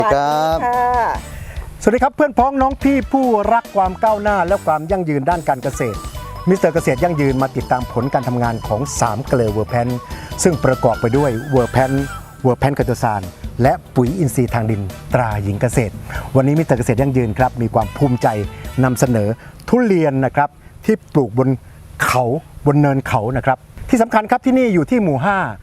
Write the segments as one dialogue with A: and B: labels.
A: ครับ
B: สวัสดีครับเพื่อนพ้องน้องพี่ผู้รักความก้าวหน้าและความยั่งยืนด้านการเกษตรมิสเตอร์เกษตรยั่งยืนมาติดตามผลการทำงานของ3เกลือเวอร์แพนซึ่งประกอบไปด้วยเวอร์แพนคาโตซานและปุ๋ยอินทรีย์ทางดินตราหญิงเกษตรวันนี้มิสเตอร์เกษตรยั่งยืนครับมีความภูมิใจนำเสนอทุเรียนนะครับที่ปลูกบนเขาบนเนินเขานะครับที่สำคัญครับที่นี่อยู่ที่หมู่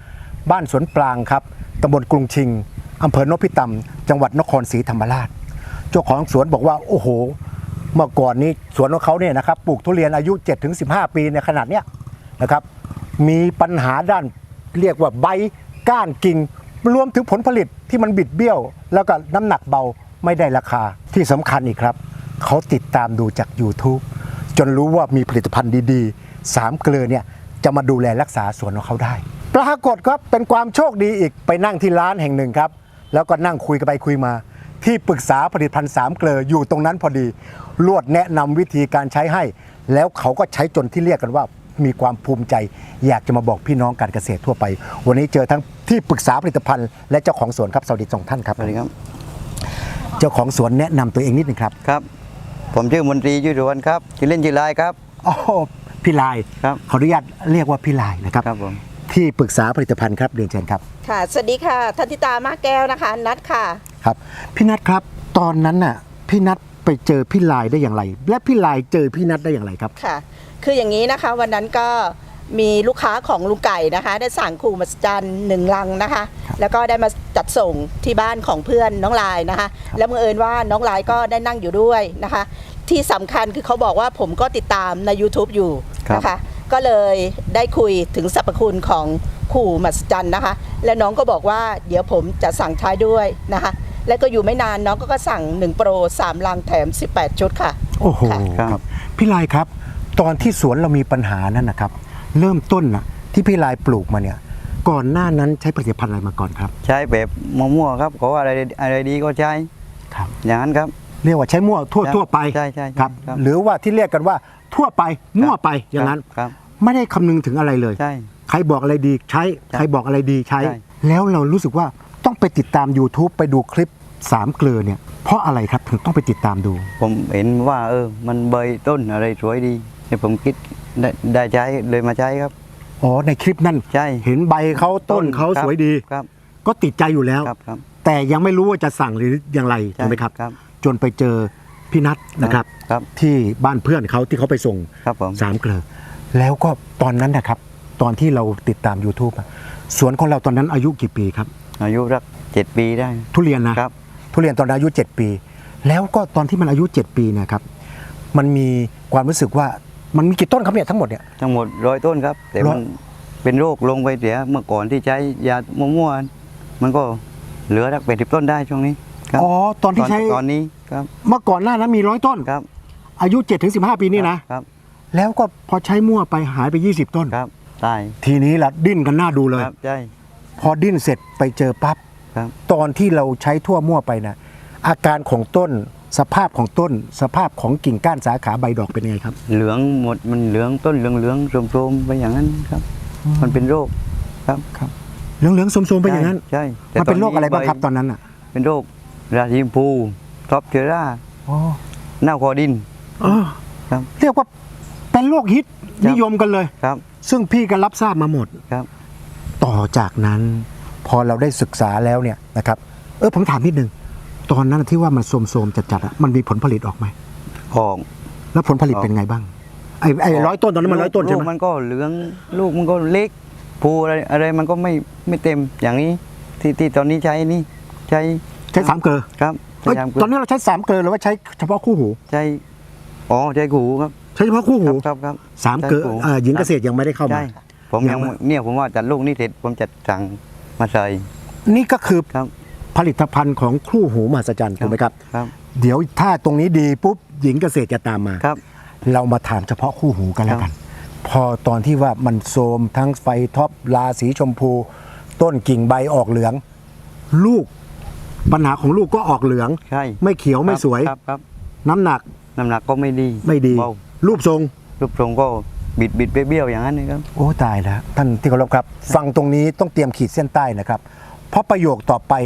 B: 5 บ้านสวนปรางครับตำบลกรุงชิงอำเภอนพิตำจังหวัดนครศรีธรรมราชเจ้าของสวนบอกว่าโอ้โหเมื่อก่อนนี้สวนของเขาเนี่ยนะครับปลูกทุเรียนอายุ 7-15 ปีในขนาดเนี้ยนะครับมีปัญหาด้านเรียกว่าใบก้านกิ่งรวมถึงผลผลิตที่มันบิดเบี้ยวแล้วก็น้ำหนักเบาไม่ได้ราคาที่สำคัญอีกครับเขาติดตามดูจาก YouTube จนรู้ว่ามีผลิตภัณฑ์ดีๆ3เกลือเนี่ยจะมาดูแลรักษาสวนของเขาได้ปรากฏครับเป็นความโชคดีอีกไปนั่งที่ร้านแห่งหนึ่งครับแล้วก็นั่งคุยกันไปคุยมาที่ปรึกษาผลิตภัณฑ์3เกลืออยู่ตรงนั้นพอดีลวดแนะนำวิธีการใช้ให้แล้วเขาก็ใช้จนที่เรียกกันว่ามีความภูมิใจอยากจะมาบอกพี่น้องการเกษตรทั่วไปวันนี้เจอทั้งที่ปรึกษาผลิตภัณฑ์และเจ้าของสวนครับสวัสดีสองท่านครับ
A: สวัสดีครับ
B: เจ้าของสวนแนะนำตัวเองนิดนึงครับ
A: ครับผมชื่อมนตรียุทธวันครับชื่อเล่นชื่อลายครับ
B: อ๋อพี่ลาย
A: ครับ
B: ขออนุญาตเรียกว่าพี่ลายนะครับ
A: ครับผม
B: ที่ปรึกษาผลิตภัณฑ์ครับเรียนเชิญครับ
C: ค่ะสวัสดีค่ะทันทิตามาแก้วนะคะนัดค่ะ
B: ครับพี่นัทครับตอนนั้นน่ะพี่นัทไปเจอพี่ลายได้อย่างไร และพี่ลายเจอพี่นัทได้อย่างไรครับ
C: ค่ะ คืออย่างนี้นะคะวันนั้นก็มีลูกค้าของลุงไก่นะคะได้สั่งขู่มหัศจรรย์1 ลังนะคะ แล้วก็ได้มาจัดส่งที่บ้านของเพื่อนน้องลายนะคะ แล้วบังเอิญว่าน้องลายก็ได้นั่งอยู่ด้วยนะคะ ที่สำคัญคือเขาบอกว่าผมก็ติดตามใน YouTube อยู่นะคะ ก็เลยได้คุยถึงสรรพคุณของขู่มหัศจรรย์นะคะ และน้องก็บอกว่าเดี๋ยวผมจะสั่งท้ายด้วยนะคะ แล้วก็อยู่ไม่นานน้องก็สั่ง1โปร3 ลังแถม18 ชุดค่ะ
B: โอ้โห
A: ครับ
B: ครับพี่ลายครับตอนที่สวนเรามีปัญหานั้นนะครับเริ่มต้นนะที่พี่ลายปลูกมาเนี่ยก่อนหน้านั้นใช้ผลิตภัณฑ์อะไรมาก่อนครับ
A: ใช้แบบมั่วๆครับเขาว่าอะไรดีก็ใช้
B: ครับ
A: อย่างนั้นครับ
B: เรียกว่าใช้มั่วทั่วไป
A: ใช่ใช่
B: ครับ
A: ครับ
B: หรือว่าที่เรียกกันว่าทั่วไปมั่วไปอย่างนั้น
A: ครับ
B: ไม่ได้คำนึงถึงอะไรเลย
A: ใช่
B: ใครบอกอะไรดีใช้
A: ใช่
B: ใครบอกอะไรดีใช้
A: ใช่
B: แล้วเรารู้สึกว่าต้องไปติดตาม YouTube ไปดูคลิป3เกลือเนี่ยเพราะอะไรครับถึงต้องไปติดตามดู
A: ผมเห็นว่ามันใบต้นอะไรสวยดีเนี่ยผมคิดได้ใช้เลยมาใช้ครับ
B: อ๋อในคลิปนั้น
A: ใช่
B: เห็นใบเขาต้นเขา
A: ครับ
B: สวยดี
A: ครับ
B: ก็ติดใจอยู่แล้ว
A: ครับครับ
B: แต่ยังไม่รู้ว่าจะสั่งหรืออย่างไร
A: ใช่
B: ถูกไหมครับ
A: ครับ
B: จนไปเจอพี่นัทนะครับ
A: ครับ
B: ที่บ้านเพื่อนเขาที่เขาไปส่ง
A: ครับผม
B: 3เกลือแล้วก็ตอนนั้นนะครับตอนที่เราติดตาม YouTube อะสวนของเราตอนนั้นอายุกี่ปีครับ
A: อายุรัก7 ปีได้
B: ทุเรียนนะครับ ทุเรียนตอนนั้นอายุ 7 ปี แล้วก็ตอนที่มันอายุ 7 ปีเนะครับมันมีความรู้สึกว่ามันมีกี่ต้นครับเนี่ยทั้งหมดเนี่ย
A: ทั้งหมด100 ต้นครับ แต่มันเป็นโรคลงไปเสียเมื่อก่อนที่ใช้ยามั่วๆมันก็เหลือรัก80 ต้นได้ช่วงนี้ครับ
B: อ๋อตอนที่ใช้
A: ตอนนี้ครับ
B: เมื่อก่อนหน้านั้นมี100 ต้น
A: ครับ
B: อายุ 7-15 ปีนี่นะครับ แล้วก็พอใช้มั่วไปหายไป 20 ต้น
A: ครับตาย
B: ทีนี้ละดิ้นกันหน้าดูเลย
A: ครับใช่
B: พอดิ้นเสร็จไปเจอปั๊บ
A: ครับ
B: ตอนที่เราใช้ทั่วมั่วไปนะอาการของต้นสภาพของต้น สภาพของกิ่งก้านสาขาใบดอกเป็นยังไงครับ
A: เหลืองหมดมันเหลืองต้นเหลืองโทรมๆไปอย่างนั้นครับ มันเป็นโรคครับ
B: เหลืองๆสมๆไปอย่างนั้น
A: ใช่แต่
B: มันเป็นโรคอะไรบ้างครับ
A: ใ
B: ตอนนั้นอ่ะ
A: เป็นโรคราชิมพูท็อปเชอร่า
B: อ๋อ
A: เน่าคอดิน ครับ
B: เรียกว่าเป็นโรคฮิต
A: ครับ
B: นิยมกันเลย
A: ครับ
B: ซึ่งพี่ก็รับทราบมาหมด
A: ครับ
B: ต่อจากนั้น พอเราได้ศึกษาแล้วเนี่ยนะครับผมถามนิดนึงตอนนั้นที่ว่ามันโทรมๆจัดๆอะมันมีผลผลิตออกไหม
A: ออก
B: แล้วผลผลิต
A: ออก
B: เป็นไงบ้างไอ้100 ต้นตอนนั้นมัน100 ต้นใช่ไหม
A: ลูกมันก็เหลืองลูกมันก็เล็กภูอะไรมันก็ไม่เต็มอย่างนี้ที่ตอนนี้ใช้นี่ใช้
B: ใช้3เกลือ
A: ครับ
B: เอ้ย
A: ใช้
B: ตอนนี้เราใช้3เกลือหรือว่าใช้เฉพาะคู่หู
A: ใช้ใช้หูครับ
B: ใช้เฉพาะคู่หู
A: ครับ
B: 3เกลือ
A: ใช้หู
B: หญิงเกษตรยังไม่ได้เข้ามา
A: ใช่ผมยังเนี่ยผมว่าจัดลูกนี่เสร็จผมจะสั่งมาใส่
B: นี่ก็คือ
A: ครับ
B: ผลิตภัณฑ์ของคู่หูมหัศจรรย์ถูกไหมครับ
A: ครับ
B: เดี๋ยวถ้าตรงนี้ดีปุ๊บหญิงเกษตรจะตามมา
A: ครับ
B: เรามาถามเฉพาะคู่หูกันแล้วกัน พอตอนที่ว่ามันโทรมทั้งไฟท็อปลาสีชมพู ต้นกิ่งใบออกเหลือง ลูกปัญหาของลูกก็ออกเหลือง
A: ใช่
B: ไม่เขียวไม่สวย
A: ครับ
B: น้ำหนัก
A: น้ำหนักก็ไม่ดี
B: ไม่ดี
A: เบา
B: รูปทรง
A: รูปทรงก็บิดเบี้ยวๆอย่างนั้นนะครับ
B: โอ้ตายแล้วท่านที่เคารพครับ ฟังตรงนี้ต้องเตรียมขีดเส้นใต้นะครับ เพราะประโยคต่อไป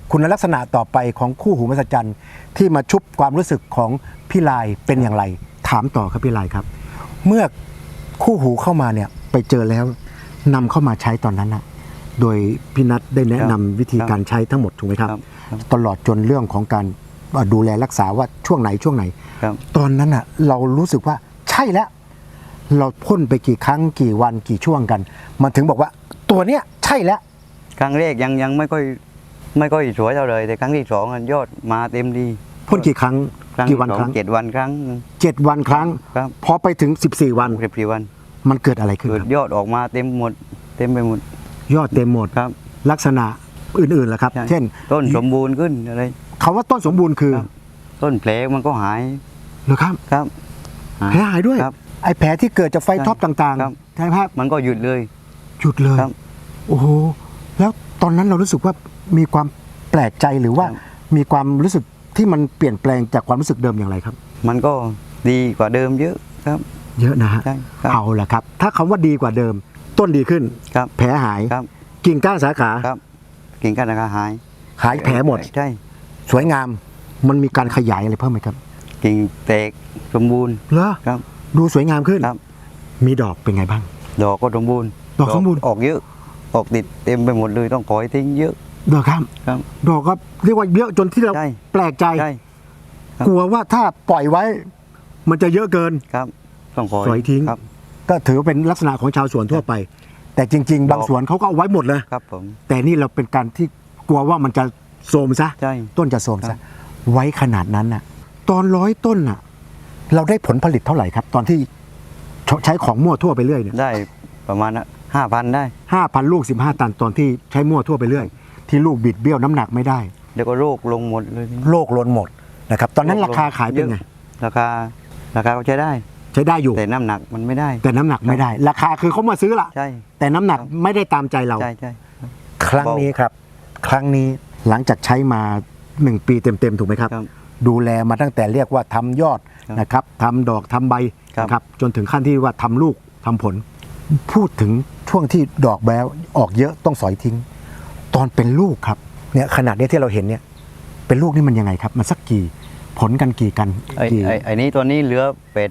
B: คุณลักษณะต่อไปของคู่หูมหัศจรรย์ที่มาชุบความรู้สึกของพี่ลายเป็นอย่างไรถามต่อครับพี่ลายครับ เมื่อคู่หูเข้ามาเนี่ยไปเจอแล้วนำเข้ามาใช้ตอนนั้นนะโดยพี่นัทได้แนะนำวิธีการใช้ทั้งหมดถูกไหมครับ ตลอดจนเรื่องของการดูแลรักษาว่าช่วงไหน
A: ครับ
B: ตอนนั้นอ่ะเรารู้สึกว่าใช่แล้ว เราพ่นไปกี่ครั้งกี่วันกี่ช่วงกัน มันถึงบอกว่าตัวเนี้ยใช่แล้ว
A: ครั้งแรกยังไม่ค่อยสวยเท่าเลยแต่ครั้งที่สองอะยอดมาเต็มดี
B: พ่นกี่ครั้ง
A: ครั้ง
B: กี่
A: ที่
B: วัน
A: สอง
B: ครั้ง
A: 7 วันครั้ง
B: 7 วันครั้ง
A: ครับ
B: พอไปถึง14 วัน
A: 14 วัน
B: มันเกิดอะไรขึ้น
A: เกิ
B: ค
A: ด
B: รับ
A: ยอดออกมาเต็มหมดเต็มไปหมด
B: ยอดเต็มหมด
A: ครับ
B: ลักษณะอื่นๆล่ะครับ
A: ใช่
B: เช่น
A: ต้นสมบูรณ์ขึ้นอะไร
B: คำว่าต้นสมบูรณ์คือ
A: ครับ ต้นแผลมันก็หาย
B: เหรอครับ
A: ครับ
B: แผลหายด้วย
A: ครับ
B: ไอ้แผลที่เกิดจากไฟ
A: ใช่
B: ท็อปต่าง
A: ครับ
B: ๆใช่ไหมครับ
A: มันก็หยุดเลย
B: หยุดเลย
A: ครับ
B: โอ้โหแล้วตอนนั้นเรารู้สึกว่ามีความแปลกใจหรือว่า
A: ครับ
B: มีความรู้สึกที่มันเปลี่ยนแปลงจากความรู้สึกเดิมอย่างไรครับ
A: มันก็ดีกว่าเดิมเยอะครับ
B: เยอะนะฮะ
A: ใช่ครับ
B: เอาล่ะครับ ถ้าคำว่าดีกว่าเดิม ต้นดีขึ้น
A: ครับ
B: แผลหาย
A: ครับ
B: กิ่งก้านสาขา
A: ครับกิ่งก้านสาขาหาย
B: หายแผลหมด
A: ใช่
B: สวยงาม มันมีการขยายอะไรเพิ่มไหมครับ
A: กิ่งแตกสมบูรณ์
B: เหรอ
A: ครับ
B: ดูสวยงามขึ้น
A: ครับ
B: มีดอกเป็นไงบ้าง
A: ดอกก็สมบูรณ์
B: ดอกสมบูรณ์
A: ออกเยอะ ออกติดเต็มไปหมดเลยต้องขอยทิ้งเยอะ
B: ดอกครับ
A: ครับ
B: ดอกก็เรียกว่าเยอะจนที่เรา
A: ใช่
B: แปลกใจ
A: ใช่ ครับ
B: กลัวว่าถ้าปล่อยไว้ มันจะเยอะเกิน
A: ครับต้องขอย
B: สวยทิ้ง
A: ครับ
B: ก็ถือว่าเป็นลักษณะของชาวสวนทั่วไป แต่จริง ๆ บางสวนเขาก็เอาไว้หมดเลย
A: ครับผม
B: แต่นี่เราเป็นการที่กลัวว่ามันจะโทรมซะ
A: ใช่
B: ต้นจะโทรม
A: ครั
B: ซะ
A: บ
B: ไว้ขนาดนั้นน่ะ ตอน100 ต้นน่ะ เราได้ผลผลิตเท่าไหร่ครับ ตอนที่ใช้ของมั่วทั่วไปเรื่อยเนี่ย
A: ได้ประมาณ5,000 ได้
B: 5,000 ลูก 15 ตันตอนที่ใช้มั่วทั่วไปเรื่อย ที่ลูกบิดเบี้ยวน้ำหนักไม่ได้
A: เดี๋ยวก็โรคลงหมดเลย
B: โลกล้นหมดนะครับ ตอนนั้นราคาขายเป็นไง
A: ราคาก็ใช้ได้
B: ใช้ได้อยู่
A: แต่น้ำหนักมันไม่ได้
B: แต่น้ำหนักไม่ได้ ราคาคือเขามาซื้อละ
A: ใช่
B: แต่น้ำหนักไม่ได้ตามใจเรา
A: ใช่ใช่
B: ครั้งนี้ครับ ครั้งนี้หลังจากใช้มา1 ปีเต็มๆถูกไหมครับ
A: ครับ
B: ดูแลมาตั้งแต่เรียกว่าทำยอด
A: ครับ
B: นะครับทำดอกทำใบ
A: ครับ
B: นะครับจนถึงขั้นที่ว่าทำลูกทำผล พูดถึงช่วงที่ดอกแบ้วออกเยอะต้องสอยทิ้ง ตอนเป็นลูกครับเนี่ยขนาดนี้ที่เราเห็นเนี่ยเป็นลูกนี่มันยังไงครับ มันสักกี่ผลกันกี่กัน
A: ไอ้นี้ตัวนี้เหลือ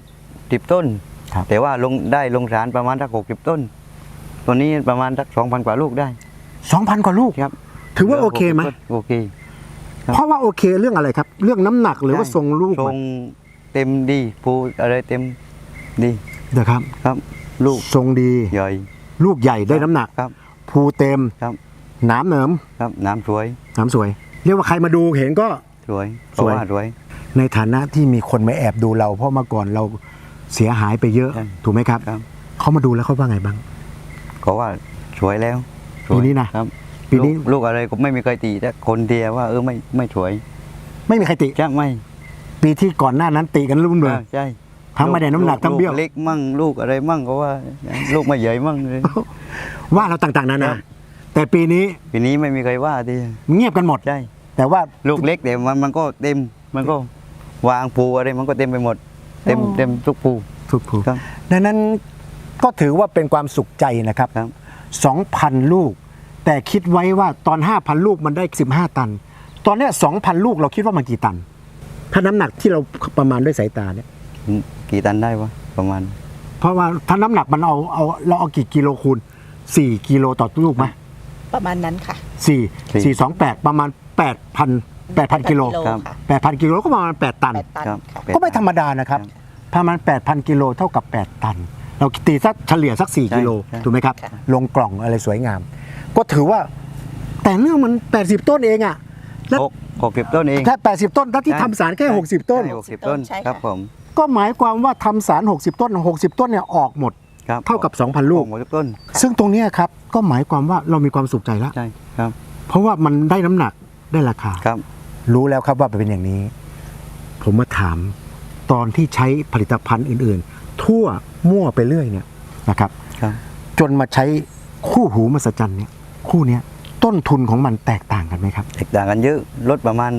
A: 10 ต้น
B: ครับ
A: แต่ว่าลงสารประมาณสัก60 ต้น ตัวนี้ประมาณสัก 2,000 กว่าลูกได้
B: 2,000 กว่าลูก
A: ครับ
B: ถือว่าโอเคไหม
A: โอเค ครับ
B: เพราะว่าโอเคเรื่องอะไรครับ เรื่องน้ำหนักหรือว่าทรงลูก
A: ทรงเต็มดีภูอะไรเต็มดี
B: นะครับ
A: ครับ ลูก
B: ทรงดี
A: ใหญ่
B: ลูกใหญ่ได้น้ำหนัก
A: ครับ
B: ภูเต็ม
A: ครับ
B: หนามเหนิม
A: ครับน้ำสวย
B: หนามสวย เรียกว่าใครมาดูเห็นก็
A: สวย
B: สวย
A: เพราะาสวย
B: ในฐานะที่มีคนมาแอบดูเรา เพราะเมื่อก่อนเราเสียหายไปเยอะ
A: ใช่
B: ถูกไหมครับ
A: ครับ
B: เขามาดูแล้วเขาว่าไงบ้าง
A: ก็ว่าสวยแล้วสวย
B: ปีนี้นะครับ ปีนี้
A: ลูกอะไรก็ไม่มีใครตีแต่คนเดียวว่าไม่สวย
B: ไม่มีใครติ
A: จะไม่
B: ปีที่ก่อนหน้านั้นติกันรุ่มเลย
A: ใช่
B: ทั้งไม่ได้น้ำหนักทั้งเบี้ยว
A: ลูกเล็กมั่งลูกอะไรมั่งก็ว่า ลูกไม่ใหญ่มั่งเลย
B: ว่าเราต่างๆนา
A: ครั
B: นา
A: บ
B: แต่ปีนี้
A: ปีนี้ไม่มีใครว่าที
B: เงียบกันหมด
A: ใช่
B: แต่ว่า
A: ลูกเล็กแต่มันก็เต็มมันก็วางปูอะไรมันก็เต็มไปหมด เต็มทุกปู
B: ทุกผู
A: ครับ
B: ดังนั้นก็ถือว่าเป็นความสุขใจนะครับ
A: ครับ
B: 2,000 ลูก แต่คิดไว้ว่าตอน 5,000 ลูกมันได้ 15 ตัน ตอนเนี้ย2,000 ลูกเราคิดว่ามันกี่ตัน ถ้าน้ำหนักที่เราประมาณด้วยสายตาเนี่ย
A: กี่ตันได้วะประมาณ
B: เพราะว่าถ้าน้ำหนักมันเราเอากี่กิโลคูณ4 กิโลต่อลูกไหม
C: ประมาณนั้นค่ะ
B: 428 ประมาณ 8,000 กิโล
A: ครับ
C: ค่ะ
B: 8,000 กิโลก็ประมาณ 8 ตัน
C: 8 ตัน
A: ครับ
C: ค่ะ
B: ก็ไม่ธรรมดานะครับ ประมาณ 8,000 กิโลเท่ากับ 8 ตัน เราตีสักเฉลี่ยสัก 4 กิโล
A: ใช่
B: ถูกไหมครับ
C: ค่ะ
B: ลงกล่องอะไรสวยงาม ก็ถือว่า แต่เนื่องมัน 80 ต้นเองอะแล้ว
A: 60 ต้นเอง
B: แค่80 ต้นแล้วที่ทำสารแค่ 60 ต้น
A: ใช่60 ต้น
C: ใช่ค่ะ
A: ครับผม
B: ก็หมายความว่าทำสาร 60 ต้น 60 ต้นเนี่ยออกหมด
A: ครับ
B: เท่ากับ 2,000 ลูก
A: 60 ต้น
B: ซึ่งตรงเนี้ยครับ ก็หมายความว่าเรามีความสุขใจแล้ว
A: ใช่ครับ
B: เพราะว่ามันได้น้ำหนักได้ราคา
A: ครับ
B: รู้แล้วครับว่าเป็นอย่างนี้ ผมมาถามตอนที่ใช้ผลิตภัณฑ์อื่นๆ ทั่วมั่วไปเรื่อยเนี่ยนะครับ
A: ครับ
B: จนมาใช้คู่หูมหัศจรรย์เนี่ยคู่เนี้ยต้นทุนของมันแตกต่างกันไหมครับ
A: แตกต่างกันเยอะลดประมาณ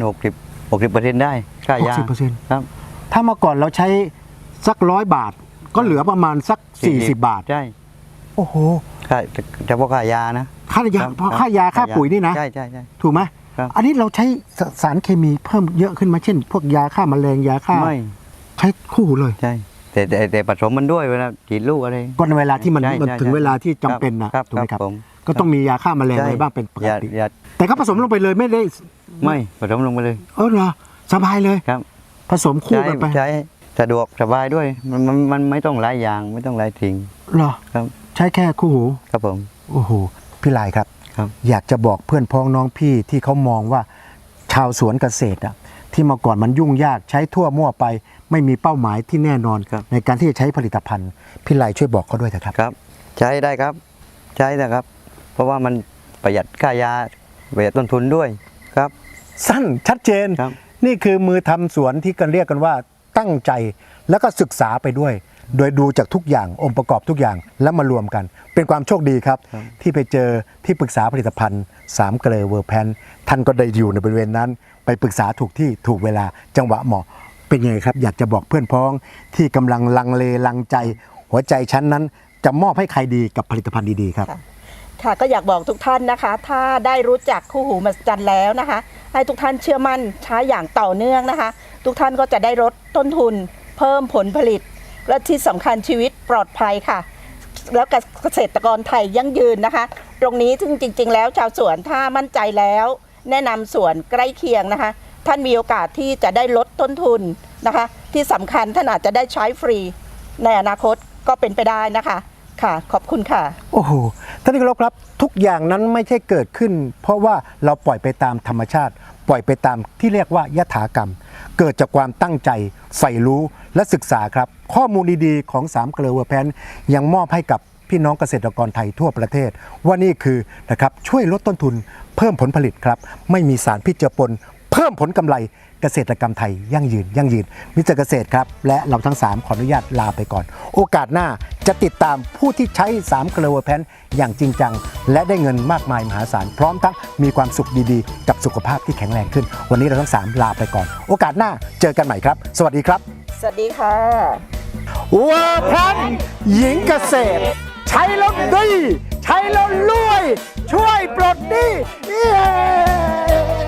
A: 60% ได้ค่ายา
B: 60%
A: ครับ
B: ถ้าเมื่อก่อนเราใช้สัก100 บาท ก็เหลือประมาณสัก 40 บาท
A: ใช่
B: โอ้โห
A: ค่าเฉพาะค่ายานะ
B: ค่ายา
A: ครับ
B: เพราะค่ายาค่าปุ๋ยนี่นะ
A: ใช่ใช่ใช่
B: ถูกไหม
A: ครับ
B: อันนี้เราใช้สารเคมีเพิ่มเยอะขึ้นไหมาเช่น พวกยาฆ่าแมลงยาฆ่า
A: ไม่
B: ใช้คู่หูเลย
A: ใช่แต่ผสมมันด้วยเวลาฉีดลูกอะไร
B: ก็ในเวลาที่มัน
A: ใช่
B: มัน
A: ใช่
B: ถึง
A: ใช่
B: เวลาที่จำเป็นนะครับ ถูกไหมครับ
A: ผม
B: ก็ต้องมียาฆ่าแมลง
A: ใช่
B: อะไรบ้างเป็นปก
A: อย่า
B: ติ
A: อย่า
B: แต่ก็ผสมลงไปเลยไม่ได้
A: ไม่ผสมลงไปเลย
B: เหรอสบายเลย
A: ครับ
B: ผสมคู่กันไป
A: ใช้สะดวกสบายด้วยมันไม่ต้องหลายอย่างไม่ต้องหลายทิ้ง
B: เหรอ
A: ครับ
B: ใช้แค่คู่หู
A: ครับผม
B: โอ้โหพี่ลายครับ
A: ครับ
B: อยากจะบอกเพื่อนพ้องน้องพี่ที่เขามองว่าชาวสวนเกษตรที่เมื่อก่อนมันยุ่งยากใช้ทั่วมั่วไป ไม่มีเป้าหมายที่แน่นอน ในการที่จะใช้ผลิตภัณฑ์พี่ลายช่วยบอกเขาด้วยเถอะครับ
A: ครับ ใช้ได้ครับ ใช้นะครับ เพราะว่ามันประหยัดค่ายาประหยัดต้นทุนด้วยครับ
B: สั้นชัดเจน
A: ครับ
B: นี่คือมือทำสวนที่กันเรียกกันว่าตั้งใจแล้วก็ศึกษาไปด้วย โดยดูจากทุกอย่างองค์ประกอบทุกอย่างแล้วมารวมกัน เป็นความโชคดีครับ ที่ไปเจอที่ปรึกษาผลิตภัณฑ์3เกลอเวอร์แพนท่านก็ได้อยู่ในบริเวณนั้น ไปปรึกษาถูกที่ถูกเวลาจังหวะเหมาะเป็นยังไงครับ อยากจะบอกเพื่อนพ้องที่กำลังลังเลลังใจ หัวใจชั้นนั้นจะมอบให้ใครดีกับผลิตภัณฑ์ดีๆครับ
C: ค่ะก็อยากบอกทุกท่านนะคะ ถ้าได้รู้จักคู่หูมหัศจรรย์แล้วนะคะ ให้ทุกท่านเชื่อมั่นใช้อย่างต่อเนื่องนะคะ ทุกท่านก็จะได้ลดต้นทุน เพิ่มผลผลิต และที่สำคัญชีวิตปลอดภัยค่ะ แล้วเกษตรกรไทยยั่งยืนนะคะ ตรงนี้ซึ่งจริงๆ แล้วชาวสวนถ้ามั่นใจแล้ว แนะนำสวนใกล้เคียงนะคะ ท่านมีโอกาสที่จะได้ลดต้นทุนนะคะ ที่สำคัญท่านอาจจะได้ใช้ฟรีในอนาคตก็เป็นไปได้นะคะค่ะขอบคุณค่ะ
B: โอ้โห ท่านที่เคารพครับ ทุกอย่างนั้นไม่ใช่เกิดขึ้น เพราะว่าเราปล่อยไปตามธรรมชาติ ปล่อยไปตามที่เรียกว่ายถากรรม เกิดจากความตั้งใจใฝ่รู้และศึกษาครับ ข้อมูลดีๆของ3เกลอเวอร์แพนยังมอบให้กับพี่น้องเกษตรกรไทยทั่วประเทศ ว่านี่คือนะครับช่วยลดต้นทุน เพิ่มผลผลิตครับ ไม่มีสารพิษเจือปน เพิ่มผลกำไรเกษตรกรรมไทยยั่งยืนมิสเตอร์เกษตรครับและเราทั้ง3ขออนุญาตลาไปก่อน โอกาสหน้าจะติดตามผู้ที่ใช้3เกลอเวอร์แพนอย่างจริงจังและได้เงินมากมายมหาศาลพร้อมทั้งมีความสุขดีๆกับสุขภาพที่แข็งแรงขึ้น วันนี้เราทั้ง3ลาไปก่อน โอกาสหน้าเจอกันใหม่ครับ สวัสดีครับ
C: สวัสดีค่ะ
B: เวอร์แพนหญิงเกษตร ใช้แล้วดีใช้แล้วรวย ช่วยปลดหนี้เย้